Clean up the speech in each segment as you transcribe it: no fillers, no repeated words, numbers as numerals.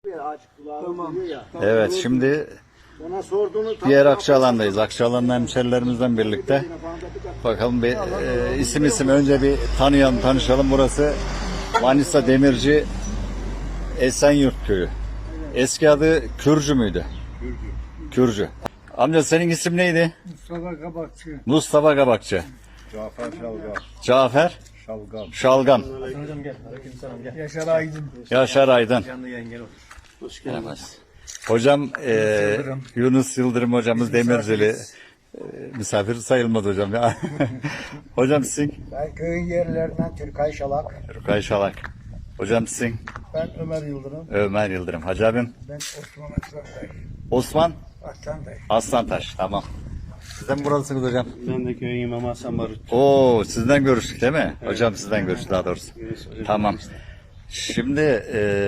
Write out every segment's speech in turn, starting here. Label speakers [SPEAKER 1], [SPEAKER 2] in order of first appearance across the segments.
[SPEAKER 1] Tamam.
[SPEAKER 2] Evet, şimdi diğer Akçaalan'dayız. Akçaalan'ın hemşerilerimizden birlikte. Bakalım bir isim önce bir tanışalım. Burası Manisa Demirci Esenyurt Köyü. Eski adı Kürcü müydü? Kürcü. Amca senin isim neydi?
[SPEAKER 1] Mustafa Kabakçı.
[SPEAKER 2] Mustafa Kabakçı.
[SPEAKER 3] Cafer Şalgam.
[SPEAKER 2] Cafer
[SPEAKER 3] Şalgam.
[SPEAKER 2] Şalgam.
[SPEAKER 1] Yaşar Aydın.
[SPEAKER 2] Yaşar Aydın.
[SPEAKER 1] Hoş geldin.
[SPEAKER 2] Hocam Yunus Yıldırım hocamız Demircili. Misafir sayılmaz hocam ya. Hocam sizin?
[SPEAKER 1] Ben köyün yerlerinden Türkay Şalak.
[SPEAKER 2] Türkay Şalak. Hocam sizin?
[SPEAKER 1] Ben Ömer Yıldırım.
[SPEAKER 2] Ömer Yıldırım. Hacı abim?
[SPEAKER 1] Ben Osman Aslantaş.
[SPEAKER 2] Osman?
[SPEAKER 1] Aslantaş.
[SPEAKER 2] Aslantaş. Tamam. Sizden buralısınız hocam.
[SPEAKER 4] Ben de köyün imamı Hasan Barut.
[SPEAKER 2] Oo, sizden görüştük değil mi? Evet. Hocam sizden görüştük daha doğrusu. Tamam. Şimdi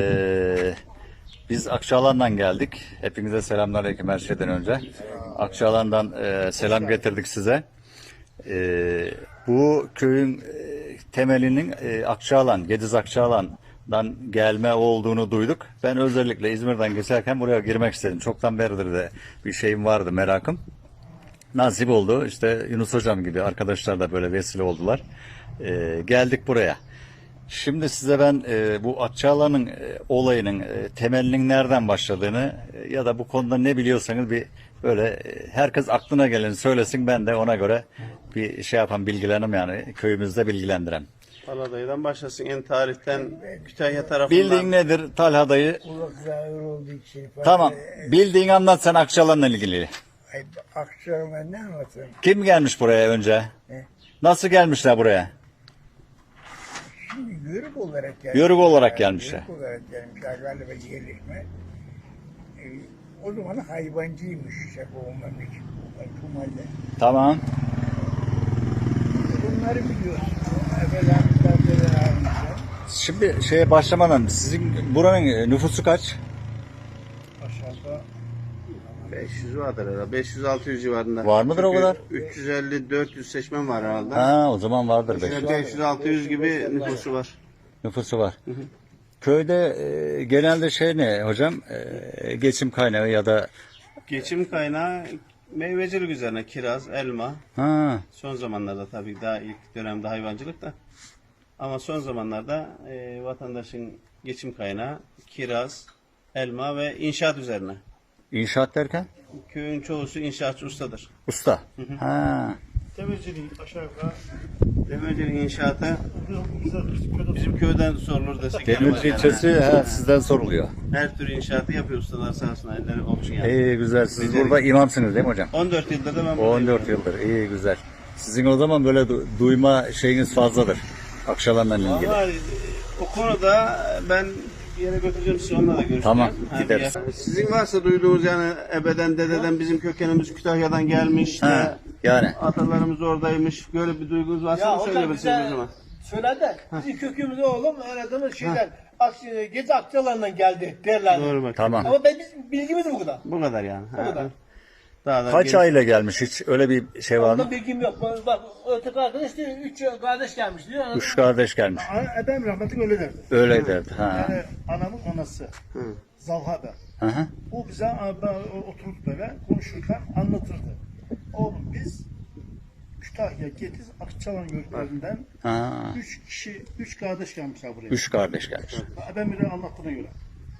[SPEAKER 2] biz Akçaalan'dan geldik. Hepinize selamünaleyküm her şeyden önce. Akçaalan'dan selam getirdik size. Bu köyün temelinin Akçaalan, Gediz Akçaalan'dan gelme olduğunu duyduk. Ben özellikle İzmir'den geçerken buraya girmek istedim. Çoktan beridir de bir şeyim vardı, merakım. Nasip oldu. İşte Yunus Hocam gibi arkadaşlar da böyle vesile oldular. Geldik buraya. Şimdi size ben bu Akçaalan'ın olayının temelinin nereden başladığını ya da bu konuda ne biliyorsanız bir böyle herkes aklına geleni söylesin, ben de ona göre bir şey yapan bilgilenim, yani köyümüzde bilgilendirem.
[SPEAKER 4] Paladayı'dan başlasın. En tarihten Kütahya tarafından.
[SPEAKER 2] Bildiğin nedir Talha dayı?
[SPEAKER 1] Ulak zahir olduğu için.
[SPEAKER 2] Tamam. Bildiğin anlat sen Akçaalan'la ilgili.
[SPEAKER 1] Akçaalan ben ne anlatayım?
[SPEAKER 2] Kim gelmiş buraya önce?
[SPEAKER 1] Ne?
[SPEAKER 2] Nasıl gelmişler buraya?
[SPEAKER 1] Şimdi yörük olarak gelmişler.
[SPEAKER 2] Yörük olarak gelmişler.
[SPEAKER 1] Yörük olarak gelmişler galiba yerleşme. O zaman hayvancıymış işte bu memleket. Bu mahalle.
[SPEAKER 2] Tamam.
[SPEAKER 1] Bunları biliyorsun. Evvelamızdan beri
[SPEAKER 2] Şimdi şeye başlamadan sizin buranın nüfusu kaç?
[SPEAKER 1] aşağıda
[SPEAKER 4] 500 vardır herhalde. 500-600 civarında.
[SPEAKER 2] Var mıdır o kadar?
[SPEAKER 4] 350-400 seçmen var herhalde.
[SPEAKER 2] Ha, o zaman vardır 500.
[SPEAKER 4] 500-600 gibi nüfusu var.
[SPEAKER 2] Nüfusu var. Köyde genelde şey ne hocam? Geçim kaynağı ya da
[SPEAKER 4] Geçim kaynağı meyvecilik üzerine. Kiraz, elma.
[SPEAKER 2] ha,
[SPEAKER 4] Son zamanlarda tabii daha ilk dönemde hayvancılık da. Ama son zamanlarda vatandaşın geçim kaynağı kiraz, elma ve inşaat üzerine.
[SPEAKER 2] inşaat derken
[SPEAKER 4] Köyün çoğusu inşaatçı ustadır.
[SPEAKER 2] usta. Ha.
[SPEAKER 1] demirciliği aşağı yukarı
[SPEAKER 4] Demircilik inşaatı bizim köyden sorulur desek.
[SPEAKER 2] Demirci
[SPEAKER 4] yani.
[SPEAKER 2] ilçesi sizden soruluyor.
[SPEAKER 4] Her türlü inşaatı yapıyor ustalar sağ olsun. Elleri olmuş yani.
[SPEAKER 2] İyi güzel. Siz burada imamsınız değil mi hocam?
[SPEAKER 4] 14 yıldır da ben buradayım.
[SPEAKER 2] 14 yıldır. İyi güzel. Sizin o zaman böyle duyma şeyiniz fazladır. Akçaalan'la ilgili.
[SPEAKER 4] Vallahi o konuda ben bir yere götüreceğim sizi, onunla da görüşeceğim.
[SPEAKER 2] Tamam,
[SPEAKER 4] Ha,
[SPEAKER 2] gideriz.
[SPEAKER 4] Sizin varsa duyduğunuz yani ebeden dededen bizim kökenimiz Kütahya'dan gelmiş.
[SPEAKER 2] Ha, yani.
[SPEAKER 4] Atalarımız oradaymış. Böyle bir duygunuz varsa da söyleyebilirsiniz o zaman.
[SPEAKER 5] Söyledi. Bizim kökümüz oğlum aradığımız şeyler Gezi Akçaalan'dan geldi derler.
[SPEAKER 4] Doğru bak.
[SPEAKER 2] Tamam.
[SPEAKER 5] Ama bizim bilgimiz bu kadar.
[SPEAKER 4] Bu kadar yani.
[SPEAKER 5] Bu kadar.
[SPEAKER 4] Daha da
[SPEAKER 2] Kaç aile gelmiş hiç? Öyle bir şey var mı?
[SPEAKER 5] Onda bilgim yok. Bak öteki arkadaş diyor 3 kardeş gelmiş diyor.
[SPEAKER 2] 3 kardeş gelmiş.
[SPEAKER 1] Edem rahmetli öyle derdi.
[SPEAKER 2] Öyle derdi. Ha.
[SPEAKER 1] Yani anamın anası. Zalha'da.
[SPEAKER 2] Hı hı.
[SPEAKER 1] O bize oturup böyle konuşurken anlatırdı. Oğlum biz Kütahya, Gediz, Akçaalan yörüklerinden
[SPEAKER 2] Ha.
[SPEAKER 1] 3 kardeş gelmişler buraya.
[SPEAKER 2] 3 kardeş gelmiş.
[SPEAKER 1] Ben biri anlattığına göre.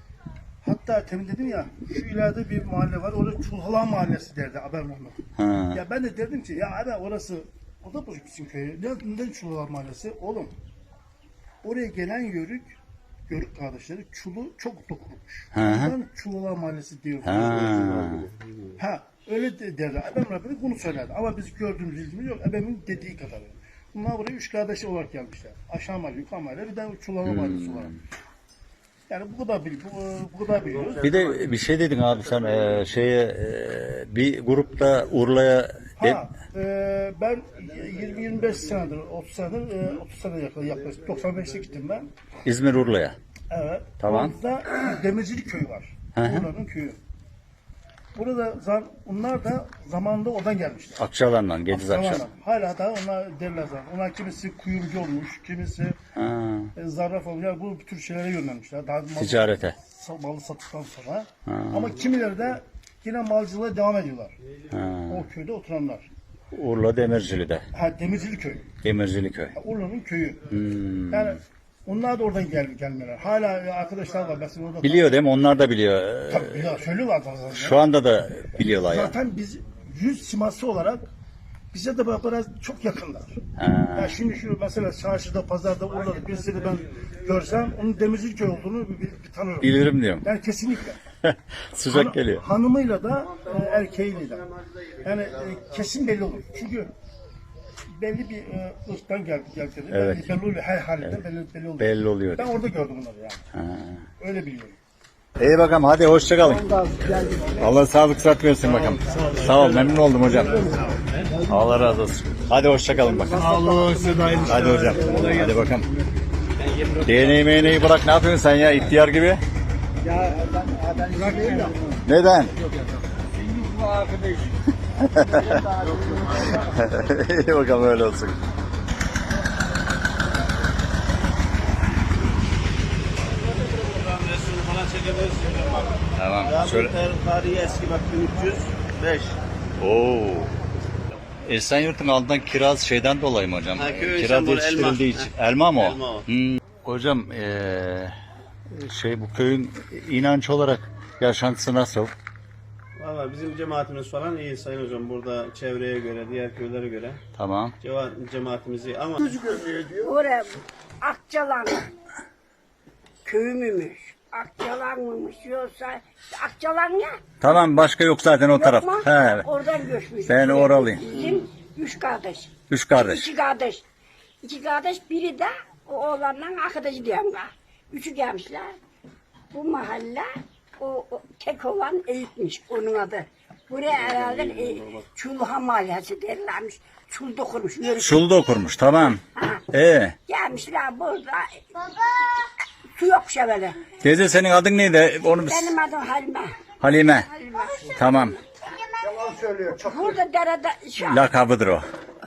[SPEAKER 1] Hatta temin dedim ya, şu ileride bir mahalle var, orada Çulhalan Mahallesi derdi haber Mehmet.
[SPEAKER 2] Ha.
[SPEAKER 1] Ya ben de dedim ki, ya abi orası, o da bizim köyü. Neden Çulhalan Mahallesi? Oğlum, oraya gelen yörük kardeşleri çulu çok dokunmuş.
[SPEAKER 2] Hı hı.
[SPEAKER 1] Ondan Çulhalan Mahallesi diyor.
[SPEAKER 2] Ha.
[SPEAKER 1] Öyle derdi. Ebem Rabbim bunu söylerdi. Ama biz gördüğümüz bilgimiz yok. Ebem'in dediği kadar. Bunlar buraya 3 kardeş olarak gelmişler. Aşağı mahalle, yukarı mahalle, bir de Çulhalan Mahallesi olarak. Yani bu kadar biliyoruz.
[SPEAKER 2] Bir de bir şey dedin abi sen bir grupta Urla'ya
[SPEAKER 1] Ben 20-25 senedir, 30 senedir, 30 sene yaklaşık 95'te gittim ben.
[SPEAKER 2] İzmir Urla'ya.
[SPEAKER 1] Evet.
[SPEAKER 2] Tamam.
[SPEAKER 1] Orada Demircilik köyü var.
[SPEAKER 2] Hı hı.
[SPEAKER 1] Onların köyü. Burada onlar da zamanında oradan gelmişler.
[SPEAKER 2] Akçaalan'dan, Gediz Akçaalan.
[SPEAKER 1] Hala da onlar derler zaten. Onlar kimisi kuyumcu olmuş, kimisi
[SPEAKER 2] Ha.
[SPEAKER 1] zarraf olmuş. Yani bu tür şeylere yönlenmişler. Daha
[SPEAKER 2] Ticarete.
[SPEAKER 1] malı sattıktan sonra. Ama kimileri de yine malcılığa devam ediyorlar. O köyde oturanlar.
[SPEAKER 2] Urla Demircili'de.
[SPEAKER 1] Demircili köyü.
[SPEAKER 2] Demircili köy.
[SPEAKER 1] Urla'nın köyü. Yani onlar da oradan gelmeler. Hala arkadaşlar var. Mesela orada
[SPEAKER 2] Biliyor değil mi? Onlar da biliyor.
[SPEAKER 1] tabii biliyor, söylüyorlar zaten.
[SPEAKER 2] Şu anda da biliyorlar ya.
[SPEAKER 1] Zaten biz yüz siması olarak bize de biraz çok yakınlar. Yani şimdi şu mesela çarşıda, pazarda, Urla'da birisini ben görsem onun Demircili köy olduğunu bir tanırım.
[SPEAKER 2] Bilirim diyorum.
[SPEAKER 1] Yani kesinlikle.
[SPEAKER 2] Sıcak geliyor.
[SPEAKER 1] Hanımıyla da erkeğiyle de. Yani kesin belli olur. Çünkü belli bir ırktan geldi.
[SPEAKER 2] Evet.
[SPEAKER 1] Belli oluyor. Her halinden belli oluyor.
[SPEAKER 2] Belli oluyor.
[SPEAKER 1] Ben orada gördüm bunları yani. Öyle biliyorum.
[SPEAKER 2] İyi bakalım, hadi hoşça kalın. Allah sağlık sıhhat versin bakalım. Sağ ol, memnun oldum hocam. Allah razı olsun. Hadi hoşça kalın bakalım.
[SPEAKER 1] Sağ olun.
[SPEAKER 2] Hadi hocam. Hadi bakalım. DNA'yı meğneyi bırak, ne yapıyorsun sen ya ihtiyar gibi?
[SPEAKER 5] Ya ben bırakayım da.
[SPEAKER 2] Neden? İyi bakalım, öyle olsun.
[SPEAKER 4] Resmini falan çekebilirsin.
[SPEAKER 2] Tamam.
[SPEAKER 4] Ya bu
[SPEAKER 2] Şöyle.
[SPEAKER 4] tarihi eski bak 1305.
[SPEAKER 2] Oo. Esenyurt'un altından kiraz şeyden dolayı mı hocam?
[SPEAKER 4] Ha, köy
[SPEAKER 2] Kiraz
[SPEAKER 4] sembolü,
[SPEAKER 2] yetiştirildiği
[SPEAKER 4] elma.
[SPEAKER 2] için. Elma mı o?
[SPEAKER 4] Elma o.
[SPEAKER 2] Hocam bu köyün inanç olarak yaşantısı nasıl?
[SPEAKER 4] Valla bizim cemaatimiz falan iyi Sayın Hocam. Burada çevreye göre, diğer köylere göre
[SPEAKER 2] Tamam.
[SPEAKER 4] cemaatimiz iyi ama
[SPEAKER 3] Oraya Akçalan köyü müymüş? Akçalan mıymış yoksa Akçalan ya?
[SPEAKER 2] Tamam, başka yok zaten o taraf.
[SPEAKER 3] Yok mu?
[SPEAKER 2] He.
[SPEAKER 3] Oradan göçmüş.
[SPEAKER 2] Ben oralıyım.
[SPEAKER 3] Bizim üç kardeş.
[SPEAKER 2] Üç kardeş.
[SPEAKER 3] İki kardeş. İki kardeş, biri de o oğlanla arkadaşı diyorum ben. Üçü gelmişler. Bu mahalle o tek olan Eyüp'müş onun adı. Buraya herhalde Çulha Mahallesi derlermiş. Çul dokunmuş.
[SPEAKER 2] Şulda okurmuş, tamam.
[SPEAKER 3] Gelmişler burada. Su yok şevele.
[SPEAKER 2] Teyze senin adın neydi? Onu
[SPEAKER 3] Benim adım Halime.
[SPEAKER 2] Halime. Tamam.
[SPEAKER 3] Burada derede
[SPEAKER 2] Lakabıdır o.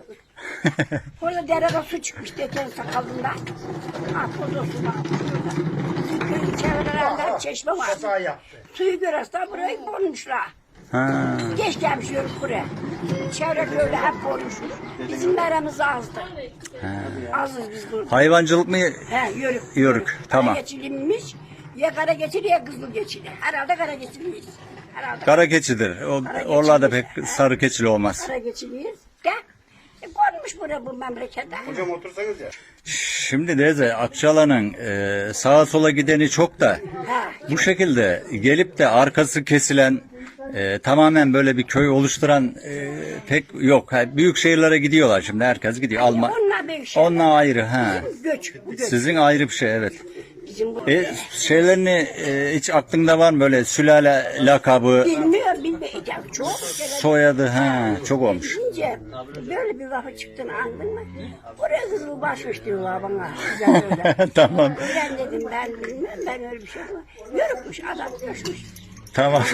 [SPEAKER 3] burada derede su çıkmış geçen sakalında. Ha burada su var. Bizim köyün çevrelerinde çeşme var. Suyu görürsen burayı bulmuşlar.
[SPEAKER 2] Ha.
[SPEAKER 3] Geç gelmiş yörük buraya. Çevre köyde hep bulmuşuz. Bizim meremiz azdı. Azız biz burada.
[SPEAKER 2] Hayvancılık mı?
[SPEAKER 3] He yörük.
[SPEAKER 2] Yörük, tamam.
[SPEAKER 3] Kara geçilinmiş. Ya kara geçili ya kızıl geçili. Herhalde kara geçiliyiz. Herhalde
[SPEAKER 2] Kara keçidir. Oralarda pek sarı keçili olmaz.
[SPEAKER 3] kara geçiliyiz. De. Konmuş buraya bu memlekette.
[SPEAKER 1] Hocam otursanız ya.
[SPEAKER 2] Şimdi teyze Akçalan'ın sağa sola gideni çok da
[SPEAKER 3] Ha.
[SPEAKER 2] bu şekilde gelip de arkası kesilen tamamen böyle bir köy oluşturan pek yok. Büyük şehirlere gidiyorlar şimdi, herkes gidiyor.
[SPEAKER 3] Onlar büyük şey.
[SPEAKER 2] Onlar ayrı ha.
[SPEAKER 3] Göç. Bu göç.
[SPEAKER 2] Sizin ayrı bir şey, evet.
[SPEAKER 3] Bizim bu.
[SPEAKER 2] Şeylerini hiç aklında var mı böyle sülale lakabı,
[SPEAKER 3] Bilmiyorum. Ya çok.
[SPEAKER 2] soyadı, ha çok olmuş.
[SPEAKER 3] Deyince böyle bir lafı çıktığını anladın mı? Oraya kızıl başmış diyorlar bana. Güzel öyle.
[SPEAKER 2] Tamam.
[SPEAKER 3] Öğren dedim ben bilmem, ben öyle bir şey yapmam. Yörükmüş adam göçmüş.
[SPEAKER 2] Tamam.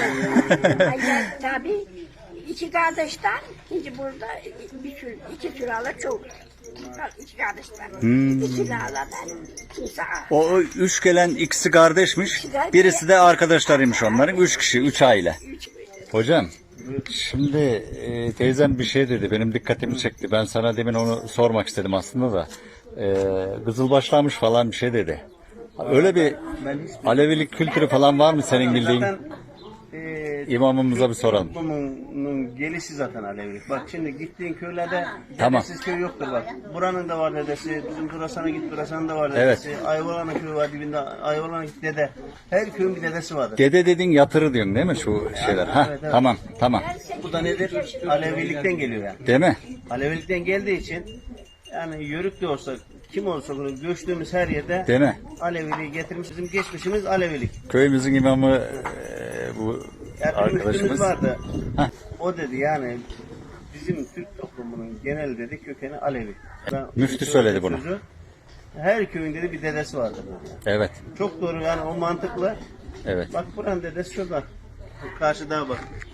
[SPEAKER 3] Tabii iki kardeşten şimdi burada iki sülalar çok. İki kardeşten. İki sülalardan kimse
[SPEAKER 2] O üç gelen ikisi kardeşmiş. Birisi de arkadaşlarıymış onların. Üç kişi, üç aile. Hocam, şimdi teyzem bir şey dedi. Benim dikkatimi çekti. Ben sana demin onu sormak istedim aslında da. Kızılbaşlamış falan bir şey dedi. Öyle bir Alevilik kültürü falan var mı senin bildiğin?
[SPEAKER 4] zaten
[SPEAKER 2] İmamımıza bir soralım.
[SPEAKER 4] toplumunun gelişi zaten Alevilik. Bak şimdi gittiğin köylerde
[SPEAKER 2] Tamam.
[SPEAKER 4] dedesiz köy yoktur bak. Buranın da var dedesi, bizim Durasan'a git Durasan'ın da var
[SPEAKER 2] Evet.
[SPEAKER 4] dedesi. Ayvalan'ın köyü var dibinde, Ayvalan'a git dede. Her köyün bir dedesi vardır.
[SPEAKER 2] Dede dedin yatırı diyorsun değil mi şu şeyler? Ha,
[SPEAKER 4] Evet, evet.
[SPEAKER 2] tamam.
[SPEAKER 4] Bu da nedir? Alevilikten geliyor yani.
[SPEAKER 2] Değil mi?
[SPEAKER 4] Alevilikten geldiği için yani yörük de olsa kim olsa bunu göçtüğümüz her yerde
[SPEAKER 2] Değil mi?
[SPEAKER 4] Aleviliği getirmiş. Bizim geçmişimiz Alevilik.
[SPEAKER 2] Köyümüzün imamı bu
[SPEAKER 4] Yani bir müftümüz
[SPEAKER 2] arkadaşımız.
[SPEAKER 4] vardı.
[SPEAKER 2] Heh.
[SPEAKER 4] O dedi yani bizim Türk toplumunun genel dedi kökeni Alevi.
[SPEAKER 2] Müftü söyledi bunu.
[SPEAKER 4] Her köyün dedi bir dedesi vardır.
[SPEAKER 2] Evet.
[SPEAKER 4] Çok doğru yani o mantıklı.
[SPEAKER 2] Evet.
[SPEAKER 4] Bak buranın dedesi şurada. Karşıda bak.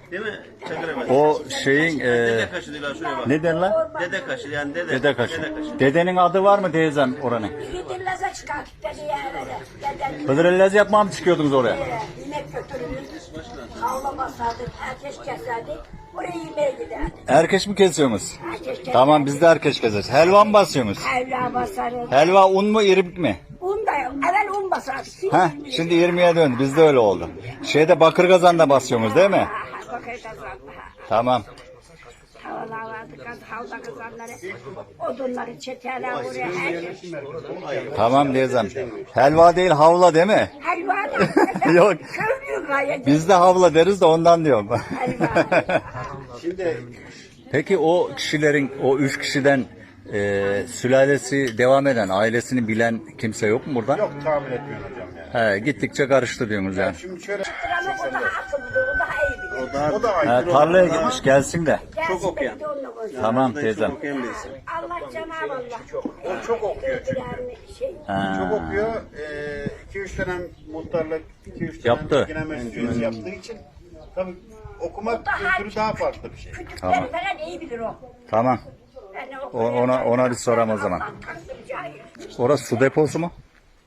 [SPEAKER 4] Değil mi? Çakır ebesi.
[SPEAKER 2] O şeyin
[SPEAKER 4] Dede kaşı diyorlar şuraya bak.
[SPEAKER 2] ne derler?
[SPEAKER 4] Dede kaşı yani dede.
[SPEAKER 2] Dede kaşı. Dedenin adı var mı teyzem oranın?
[SPEAKER 3] Gidirleze çıkarttık dedi yerlere. Deden
[SPEAKER 2] Hıdrellez yapmaya mı çıkıyordunuz oraya?
[SPEAKER 3] yemek götürürüz. Havla basardık, herkes keserdik. Oraya yemeğe giderdik.
[SPEAKER 2] Erkeş mi kesiyorsunuz?
[SPEAKER 3] Herkes keserdik.
[SPEAKER 2] Tamam biz de erkeş keseriz. Helva mı basıyorsunuz?
[SPEAKER 3] Helva basarız.
[SPEAKER 2] Helva un mu irmik mi?
[SPEAKER 3] Un da yok. Evvel un basardık.
[SPEAKER 2] Şimdi 20'ye döndü. Bizde öyle oldu. Şeyde bakır kazanda basıyorsunuz değil mi?
[SPEAKER 3] Bakır kazandı.
[SPEAKER 2] Tamam.
[SPEAKER 3] Havalar vardı, havla kazanları. Odunları çekerler oraya. Herkes.
[SPEAKER 2] Tamam teyzem. Helva değil havla değil mi?
[SPEAKER 3] Helva da.
[SPEAKER 2] Yok.
[SPEAKER 3] Köylü gayet.
[SPEAKER 2] Biz de havla deriz de ondan diyorum.
[SPEAKER 3] Helva.
[SPEAKER 2] Şimdi peki o kişilerin, o 3 kişiden sülalesi devam eden, ailesini bilen kimse yok mu burada?
[SPEAKER 6] Yok tahmin etmiyorum hocam yani.
[SPEAKER 2] He, gittikçe karıştı diyorsunuz yani.
[SPEAKER 6] Şimdi şöyle
[SPEAKER 3] Ama o daha akıllı, o daha iyi bilir.
[SPEAKER 6] o da
[SPEAKER 2] He,
[SPEAKER 6] aykırı
[SPEAKER 2] tarlaya gitmiş gelsin de.
[SPEAKER 3] Gelsin
[SPEAKER 4] okuyan.
[SPEAKER 3] bir de onunla konuşalım.
[SPEAKER 2] Tamam
[SPEAKER 4] Çok
[SPEAKER 2] teyzem.
[SPEAKER 4] okuyan birisi.
[SPEAKER 3] Allah Cenab-ı Allah.
[SPEAKER 6] O çok okuyor çünkü. Çok okuyor. 2-3 dönem muhtarlık, 2-3 dönem
[SPEAKER 2] Yaptı.
[SPEAKER 6] genel meclis üyesi yaptığı için tabii okumak
[SPEAKER 3] Daha
[SPEAKER 6] kültürü daha farklı bir şey.
[SPEAKER 3] Küçükleri
[SPEAKER 2] Tamam.
[SPEAKER 3] falan iyi bilir o.
[SPEAKER 2] Tamam.
[SPEAKER 3] Yani
[SPEAKER 2] Ona bir soram o zaman.
[SPEAKER 3] Allah'tan taktım cahil.
[SPEAKER 2] Orası su deposu mu?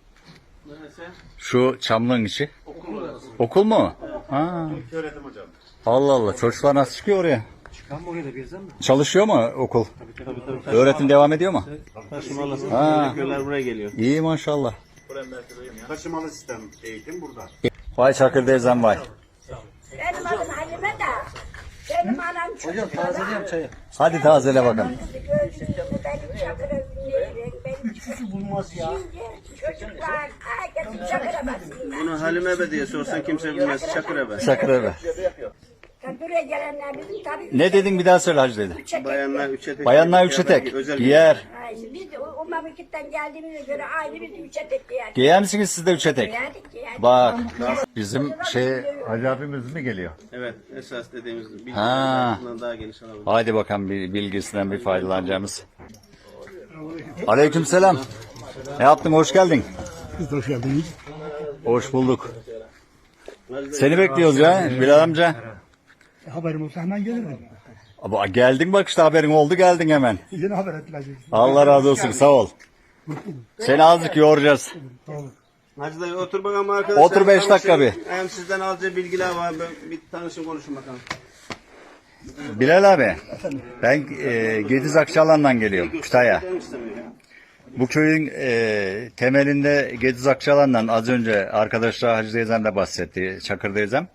[SPEAKER 2] Şu çamlığın içi. Okul mu? Ha.
[SPEAKER 6] Söyledim hocam.
[SPEAKER 2] Allah Allah. Çocuklar nasıl çıkıyor oraya? Çalışıyor mu okul? Öğretim devam ediyor mu?
[SPEAKER 4] Taşımalısın.
[SPEAKER 2] Ha.
[SPEAKER 4] Köyler buraya geliyor.
[SPEAKER 2] İyi maşallah.
[SPEAKER 6] Taşımalı sistem eğitim burada.
[SPEAKER 2] Vay Çakır teyzem vay.
[SPEAKER 3] Benim adım Halime de. Benim anam çocuk. Hocam tazeleyeyim çayı.
[SPEAKER 2] Hadi tazele bakalım.
[SPEAKER 3] Gözlüğümü benim çakıra dinleyin. Benim
[SPEAKER 5] Üçüncü bulmaz ya.
[SPEAKER 3] şimdi çocuklar herkesin çakıra basınlar.
[SPEAKER 4] Bunu Halime Ebe diye sorsan kimse bilmez. Çakır Ebe.
[SPEAKER 2] Çakır eve.
[SPEAKER 3] Buraya gelenler bizim tabii.
[SPEAKER 2] Ne dedin bir daha söyle hacı dedi.
[SPEAKER 4] Bayanlar üçe tek.
[SPEAKER 2] Bayanlar üçe tek.
[SPEAKER 4] Özel
[SPEAKER 2] Giyer.
[SPEAKER 3] Ay, biz de o memleketten geldiğimize göre aynı biz de üçe tek yerdik.
[SPEAKER 2] Giyer misiniz siz de üçe tek?
[SPEAKER 3] Yerdik yerdik.
[SPEAKER 2] Bak bizim Hacı abimiz mi geliyor?
[SPEAKER 4] Evet, esas dediğimiz bilgi
[SPEAKER 2] Ha.
[SPEAKER 4] bundan daha geniş alabilir.
[SPEAKER 2] Haydi bakalım bir bilgisinden bir faydalanacağımız. Aleykümselam. Ne yaptın? Hoş geldin.
[SPEAKER 1] Siz de hoş geldiniz.
[SPEAKER 2] Hoş bulduk. Seni bekliyoruz ya Bilal amca.
[SPEAKER 1] Haberim olsa hemen gelirim.
[SPEAKER 2] Ama geldin bak işte haberin oldu geldin hemen.
[SPEAKER 1] Yine haber ettiler.
[SPEAKER 2] Allah razı olsun sağ ol. Seni azıcık yoracağız.
[SPEAKER 4] Hacı dayı otur bakalım arkadaşlar.
[SPEAKER 2] Otur 5 dakika
[SPEAKER 4] Tanışın.
[SPEAKER 2] bir.
[SPEAKER 4] Hem sizden alacağı bilgiler var. Bir tanışın konuşun bakalım.
[SPEAKER 2] Bilal abi ben Gediz Akçalan'dan geliyorum Kütahya.
[SPEAKER 4] Canım istemiyor ya.
[SPEAKER 2] Bu köyün temelinde Gediz Akçalan'dan az önce arkadaşlar Hacı teyzem de bahsetti. Çakır teyzem.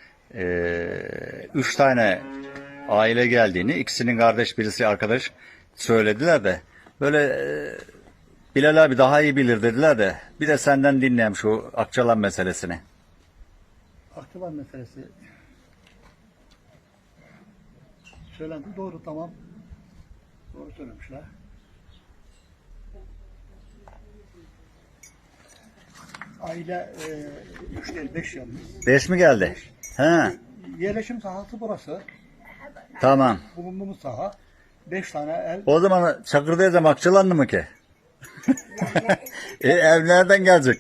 [SPEAKER 2] 3 tane aile geldiğini, ikisinin kardeş birisi arkadaş söylediler de böyle Bilal abi daha iyi bilir dediler de bir de senden dinleyeyim şu Akçalan meselesini.
[SPEAKER 1] Akçalan meselesi söylendi. Doğru, tamam. Doğru söylemişler. Aile 3 değil 5 yalnız.
[SPEAKER 2] 5 mi geldi? He,
[SPEAKER 1] Yerleşim sahası burası.
[SPEAKER 2] tamam.
[SPEAKER 1] Bulunduğumuz saha. 5 tane el.
[SPEAKER 2] O zaman Çakır teyzem Akçalanlı mı ki? Ev nereden gelecek?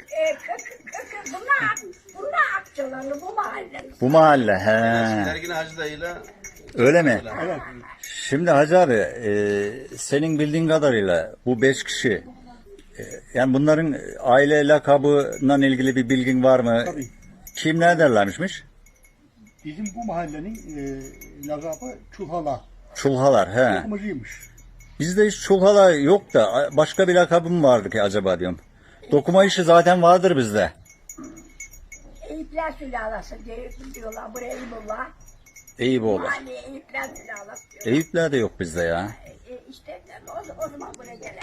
[SPEAKER 3] Bunlar Akçalanlı bu mahallenin.
[SPEAKER 2] Bu mahalle. He.
[SPEAKER 4] Ergin Hacı dayıyla
[SPEAKER 2] Öyle mi?
[SPEAKER 1] Evet.
[SPEAKER 2] Şimdi Hacı abi, senin bildiğin kadarıyla bu 5 kişi, yani bunların aile lakabından ilgili bir bilgin var mı?
[SPEAKER 1] Tabii.
[SPEAKER 2] Kim ne derlermişmiş?
[SPEAKER 1] Bizim bu mahallenin lakabı Çulhala.
[SPEAKER 2] Çulhalar, he.
[SPEAKER 1] Dokumacıymış.
[SPEAKER 2] Bizde hiç çulhala yok da başka bir lakabı mı vardı ki acaba diyorum. Dokuma işi zaten vardır bizde.
[SPEAKER 3] Eyüpler sülalası diyorlar. Buraya Eyüpullah.
[SPEAKER 2] Eyüboğlu.
[SPEAKER 3] Hani Eyüpler sülalası diyorlar.
[SPEAKER 2] Eyüpler de yok bizde ya.
[SPEAKER 3] İşte o zaman buraya gelen.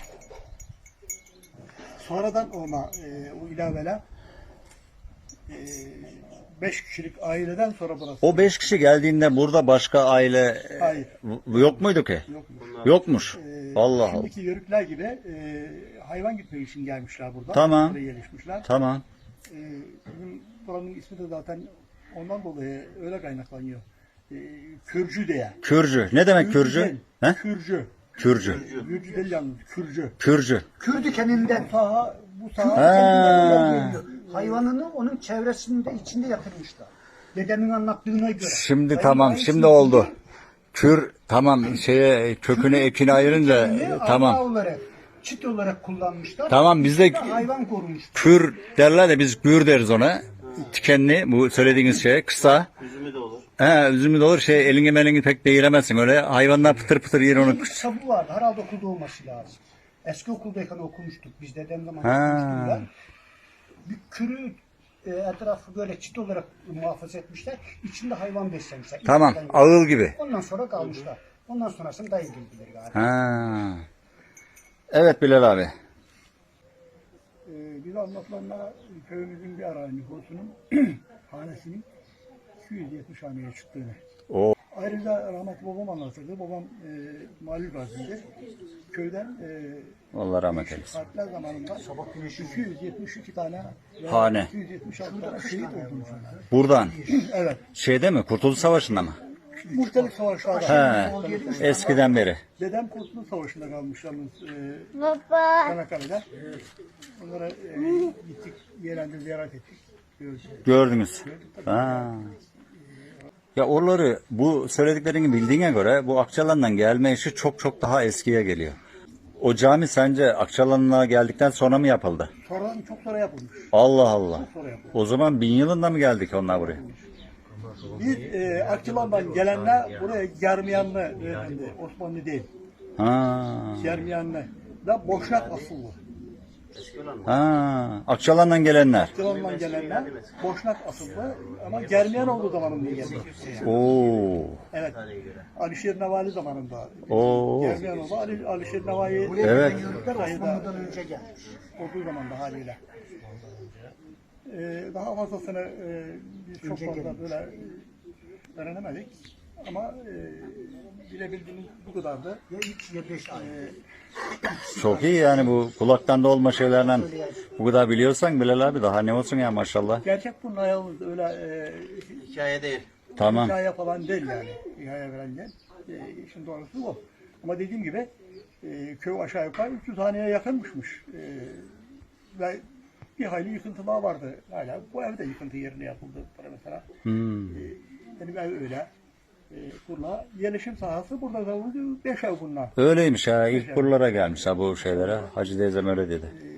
[SPEAKER 1] Sonradan ona o ilaveler 5 kişilik aileden sonra burası.
[SPEAKER 2] O 5 kişi geldiğinde burada başka aile
[SPEAKER 1] Hayır.
[SPEAKER 2] yok muydu ki?
[SPEAKER 1] Yok.
[SPEAKER 2] Yokmuş. Allah Allah.
[SPEAKER 1] Şimdiki yörükler gibi hayvan gütmek için gelmişler burada.
[SPEAKER 2] Tamam.
[SPEAKER 1] Buraya yerleşmişler.
[SPEAKER 2] Tamam.
[SPEAKER 1] Bizim buranın ismi de zaten ondan dolayı öyle kaynaklanıyor. Kürcü diye.
[SPEAKER 2] Kürcü. Ne demek kürcü?
[SPEAKER 1] değil,
[SPEAKER 2] He?
[SPEAKER 1] Kürcü.
[SPEAKER 2] Kürcü.
[SPEAKER 1] Kürcü değil yalnız. Kürcü.
[SPEAKER 2] Kürcü.
[SPEAKER 7] Kürdü kendinden.
[SPEAKER 1] Bu saha
[SPEAKER 2] Ha.
[SPEAKER 7] Hayvanını onun çevresinde içinde yatırmışlar. Dedemin anlattığına göre.
[SPEAKER 2] Şimdi tamam, şimdi oldu. Kür tamam şeye kökünü ekini ayırınca tamam.
[SPEAKER 7] Arpa olarak, çit olarak kullanmışlar.
[SPEAKER 2] Tamam bizde
[SPEAKER 7] Bir de hayvan korumuş.
[SPEAKER 2] kür derler de biz gür deriz ona. Tikenli bu söylediğiniz şey kısa.
[SPEAKER 4] Üzümü de olur.
[SPEAKER 2] Üzümü de olur şey elini melini pek değiremezsin öyle hayvanlar pıtır pıtır yer onu.
[SPEAKER 7] Bir sabı vardı. Herhalde okulda olması lazım. Eski okuldayken okumuştuk. Biz dedem zaman
[SPEAKER 2] Ha.
[SPEAKER 7] okumuştum ben. Bir kürü etrafı böyle çit olarak muhafaza etmişler. İçinde hayvan beslemişler.
[SPEAKER 2] Tamam
[SPEAKER 7] İçinden
[SPEAKER 2] ağıl gibi.
[SPEAKER 7] Ondan sonra kalmışlar. Ondan sonrasını dayı bildiler galiba.
[SPEAKER 2] Ha. Evet Bilal abi.
[SPEAKER 1] Biz anlatılanlara köyümüzün bir ara nüfusunun hanesinin 270 haneye çıktığını.
[SPEAKER 2] O.
[SPEAKER 1] Ayrıca rahmetli babam anlatırdı. Babam mali gazidir. Köyden
[SPEAKER 2] Allah rahmet eylesin.
[SPEAKER 1] harpler zamanında 272 tane
[SPEAKER 2] Hane.
[SPEAKER 1] 276 tane şehit olduğunu söyler.
[SPEAKER 2] Buradan.
[SPEAKER 1] Evet.
[SPEAKER 2] Şeyde mi? Kurtuluş Savaşı'nda mı?
[SPEAKER 1] Muhtelif savaşlarda.
[SPEAKER 2] He. Eskiden beri.
[SPEAKER 1] Dedem Kurtuluş Savaşı'nda kalmış yalnız
[SPEAKER 3] Baba.
[SPEAKER 1] Çanakkale'de. Onlara gittik, yerinde ziyaret ettik. Gördük.
[SPEAKER 2] Gördünüz. Ha. Ya oraları bu söylediklerini bildiğine göre bu Akçalan'dan gelme işi çok çok daha eskiye geliyor. O cami sence Akçalan'a geldikten sonra mı yapıldı?
[SPEAKER 1] Sonradan çok sonra yapılmış.
[SPEAKER 2] Allah Allah.
[SPEAKER 1] Sonra yapılmış.
[SPEAKER 2] O zaman 1000 yılında mı geldik onlar buraya?
[SPEAKER 1] Biz Akçılan'dan gelenler buraya Germiyanlı beyefendi, Osmanlı değil.
[SPEAKER 2] Ha.
[SPEAKER 1] Germiyanlı da Boşnak asıllı.
[SPEAKER 2] Ha. Akçalan'dan gelenler.
[SPEAKER 1] Akçılan'dan gelenler Boşnak asıllı ama Germiyan olduğu zamanında geldi.
[SPEAKER 2] Oo.
[SPEAKER 1] Evet. Alişir Nevali zamanında.
[SPEAKER 2] Oo.
[SPEAKER 1] Germiyan oldu. Alişir Nevali
[SPEAKER 2] Evet.
[SPEAKER 7] Osmanlı'dan önce gelmiş.
[SPEAKER 1] olduğu zamanda haliyle. Daha fazlasını biz çok fazla böyle öğrenemedik. Ama bilebildiğimiz bu kadardı.
[SPEAKER 7] Ya 3 ya 5 ay.
[SPEAKER 2] Çok iyi yani bu kulaktan dolma şeylerden bu kadar biliyorsan Bilal abi daha ne olsun ya maşallah.
[SPEAKER 1] Gerçek bunun yalnız öyle
[SPEAKER 4] Hikaye değil.
[SPEAKER 2] Tamam.
[SPEAKER 1] hikaye falan değil yani. Hikaye falan değil. İşin doğrusu bu. Ama dediğim gibi köy aşağı yukarı 300 haneye yakınmışmış. Ve bir hayli yıkıntı daha vardı hala. Bu ev de yıkıntı yerine yapıldı mesela. Benim ev öyle. Kurla yerleşim sahası burada kalınca 5 ev bunlar.
[SPEAKER 2] Öyleymiş ha ilk buralara gelmiş ha bu şeylere. Hacı teyzem öyle dedi.